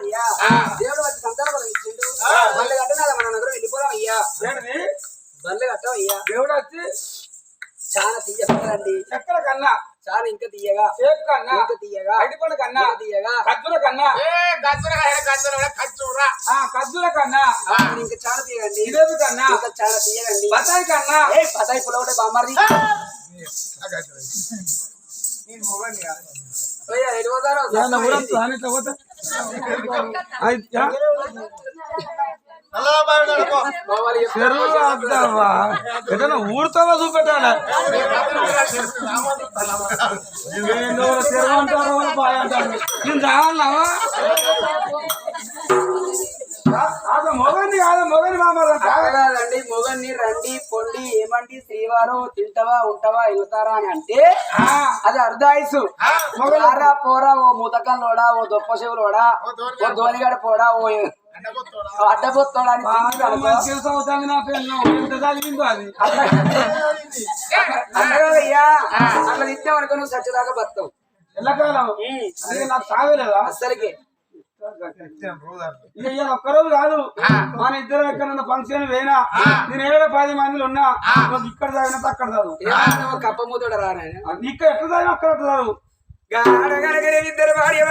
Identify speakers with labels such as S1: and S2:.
S1: అయ్యా దేవుడు వచ్చి సంతానం ఇచ్చిండు బల్లె కట్టనాలి మన నగరం వెళ్ళిపోదాం అయ్యా బల్లె కట్టం అయ్యా
S2: దేవుడు వచ్చి
S1: చాలా తీయగలండి
S2: చక్కెర కన్నా
S1: చాలా ఇంకా తీయగా
S2: సేపు కన్నా
S1: ఇంకా తీయగా
S2: అడిపండు కన్నా
S1: తీయగా
S2: కజ్జుల కన్నా కజ్జుల కన్నా
S1: ఇంకా చాలా తీయగండి
S2: జిలేబీ కన్నా
S1: ఇంకా చాలా తీయగండి
S2: బతాయి కన్నా
S1: బతాయి పులవటే బామ్మది
S2: ఏదైనా ఊడుతావా చూపెట్టాలి చెరువు అంటారు బాయ్ అంటారు నేను రావాలన్నావా మొగని కాదు మొగని
S1: కాదండి మొగన్ని రండి పొండి ఏమండి శ్రీవారు తింటవా ఉంటావా వెళ్తారా అని అంటే అది అర్ధాయుసు మొగలారా పోరా ఓ ముతకంలోడా ఓ దొప్ప చెవులోడా ఓ దోనిగడ పోడా ఓ అడ్డబొత్తోడా అని అయ్యా అట్లా తింటాం అనుకో నువ్వు సచ్చదాకా బతావు
S2: ఎల్లకాలం నాకు సాగలేదా
S1: అస్సలకి
S2: ఒక్కరోజు కాదు మన ఇద్దరు ఎక్కడన్నా ఫంక్షన్ పోయినా నేను 10 మందిలో ఉన్నా ఇక్కడ తాగినట్టు అక్కడ చదువు
S1: కప్ప మూతోడ రానా
S2: ఇక్కడ ఎట్లా తాగినా అక్కడ చదువు
S1: ఇద్దరు భార్య